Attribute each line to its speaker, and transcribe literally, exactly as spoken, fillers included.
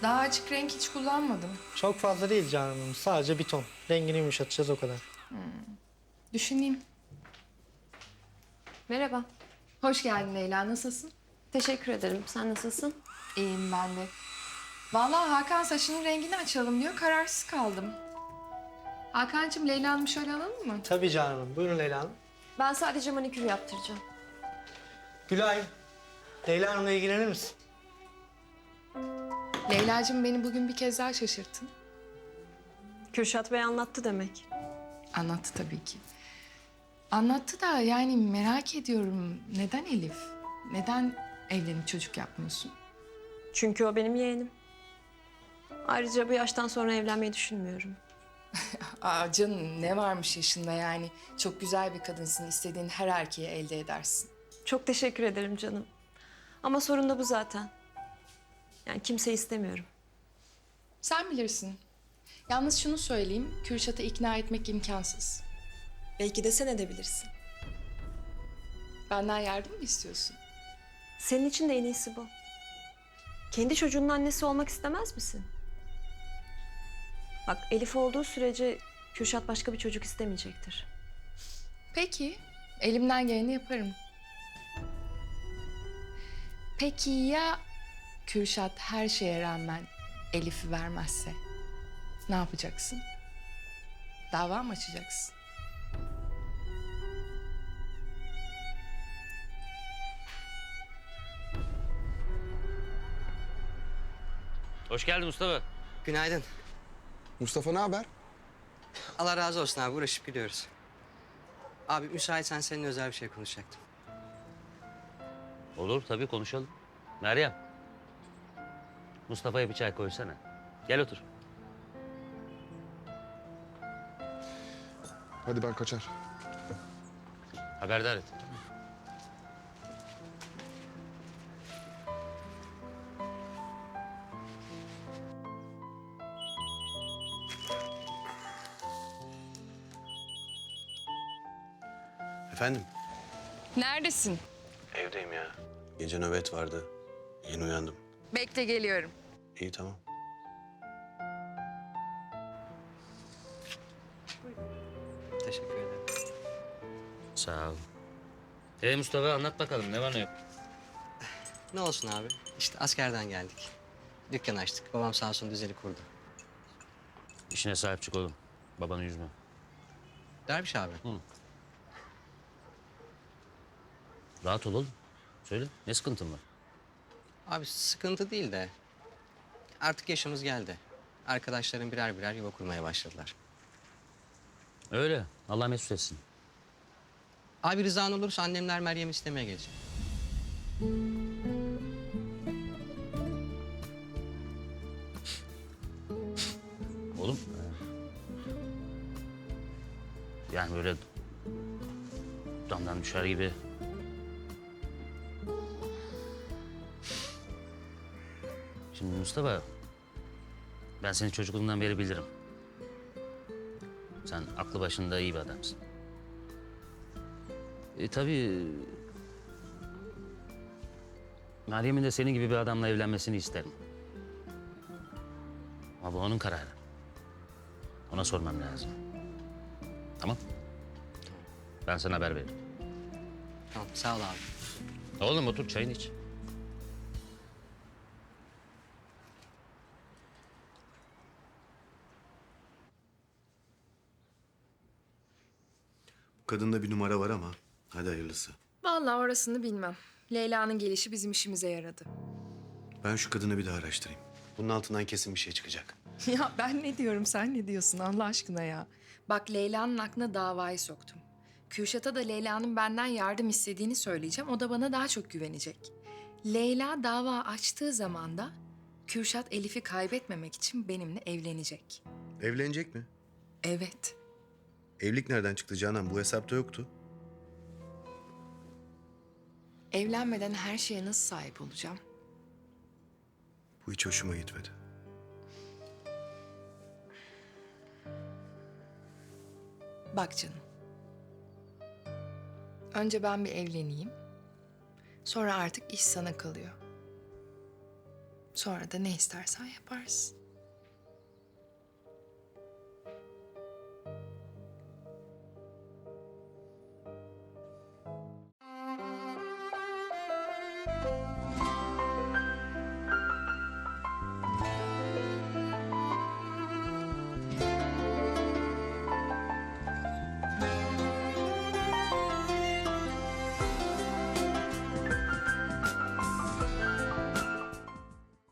Speaker 1: Daha açık renk hiç kullanmadım.
Speaker 2: Çok fazla değil canım. Sadece bir ton. Rengini yumuşatacağız o kadar.
Speaker 1: Düşüneyim.
Speaker 3: Merhaba.
Speaker 1: Hoş geldin Leyla. Nasılsın?
Speaker 3: Teşekkür ederim. Sen nasılsın?
Speaker 1: İyiyim ben de. Vallahi Hakan saçının rengini açalım diyor. Kararsız kaldım. Hakan'cığım Leyla Hanım'ı şöyle alalım mı?
Speaker 2: Tabii canım. Buyurun Leyla Hanım.
Speaker 3: Ben sadece manikür yaptıracağım.
Speaker 2: Gülay, Leyla Hanım'la ilgilenir misin?
Speaker 1: Leyla'cığım beni bugün bir kez daha şaşırttın.
Speaker 3: Kürşat Bey anlattı demek.
Speaker 1: Anlattı tabii ki. Anlattı da yani merak ediyorum. Neden Elif? Neden evlenip çocuk yapmıyorsun?
Speaker 3: Çünkü o benim yeğenim. Ayrıca bu yaştan sonra evlenmeyi düşünmüyorum.
Speaker 1: Aa canım ne varmış yaşında yani. Çok güzel bir kadınsın. İstediğin her erkeği elde edersin.
Speaker 3: Çok teşekkür ederim canım. Ama sorun da bu zaten. Yani kimseyi istemiyorum.
Speaker 1: Sen bilirsin. Yalnız şunu söyleyeyim. Kürşat'ı ikna etmek imkansız.
Speaker 3: Belki de sen edebilirsin.
Speaker 1: Benden yardım mı istiyorsun?
Speaker 3: Senin için de en iyisi bu. Kendi çocuğunun annesi olmak istemez misin? Bak Elif olduğu sürece Kürşat başka bir çocuk istemeyecektir.
Speaker 1: Peki. Elimden geleni yaparım. Peki ya Kürşat her şeye rağmen Elif'i vermezse? Ne yapacaksın? Dava mı açacaksın?
Speaker 4: Hoş geldin Mustafa.
Speaker 5: Günaydın.
Speaker 6: Mustafa ne haber?
Speaker 5: Allah razı olsun abi. Uğraşıp gidiyoruz. Abi müsaitsen seninle özel bir şey konuşacaktım.
Speaker 4: Olur tabii konuşalım. Meryem. Mustafa'ya bir çay koysana. Gel otur.
Speaker 6: Hadi ben kaçar.
Speaker 4: Haberdar et.
Speaker 7: Efendim?
Speaker 1: Neredesin?
Speaker 7: Evdeyim ya. Gece nöbet vardı. Yeni uyandım.
Speaker 1: Bekle geliyorum.
Speaker 7: İyi tamam.
Speaker 5: Teşekkür ederim.
Speaker 4: Sağ ol. Ee Mustafa anlat bakalım ne var ne yok.
Speaker 5: Ne olsun abi? İşte askerden geldik. Dükkan açtık. Babam sağ olsun düzeli kurdu.
Speaker 4: İşine sahip çık oğlum. Babanı üzme.
Speaker 5: Derviş abi.
Speaker 4: Hı. Rahat ol oğlum. Söyle ne sıkıntın var?
Speaker 5: Abi sıkıntı değil de artık yaşımız geldi. Arkadaşlarım birer birer yuva kurmaya başladılar.
Speaker 4: Öyle. Allah mesut etsin.
Speaker 5: Abi rızan olursa annemler Meryem'i istemeye gelecek.
Speaker 4: Oğlum. e, Yani böyle damdan düşer gibi. Şimdi Mustafa, ben seni çocukluğundan beri bilirim. Sen aklı başında iyi bir adamsın. E tabii... Meryem'in de senin gibi bir adamla evlenmesini isterim. Ama bu onun kararı. Ona sormam lazım. Tamam? Ben sana haber veririm.
Speaker 5: Tamam sağ ol abi.
Speaker 4: Oğlum otur çayını iç.
Speaker 7: Bu kadında bir numara var ama hadi hayırlısı.
Speaker 1: Vallahi orasını bilmem. Leyla'nın gelişi bizim işimize yaradı.
Speaker 7: Ben şu kadını bir daha araştırayım. Bunun altından kesin bir şey çıkacak.
Speaker 1: Ya ben ne diyorum sen ne diyorsun Allah aşkına ya. Bak Leyla'nın aklına davayı soktum. Kürşat'a da Leyla'nın benden yardım istediğini söyleyeceğim. O da bana daha çok güvenecek. Leyla dava açtığı zaman da Kürşat Elif'i kaybetmemek için benimle evlenecek.
Speaker 7: Evlenecek mi?
Speaker 1: Evet.
Speaker 7: Evlilik nereden çıktı Canan? Bu hesapta yoktu.
Speaker 1: Evlenmeden her şeye nasıl sahip olacağım?
Speaker 7: Bu hiç hoşuma gitmedi.
Speaker 1: Bak canım. Önce ben bir evleneyim. Sonra artık iş sana kalıyor. Sonra da ne istersen yaparsın.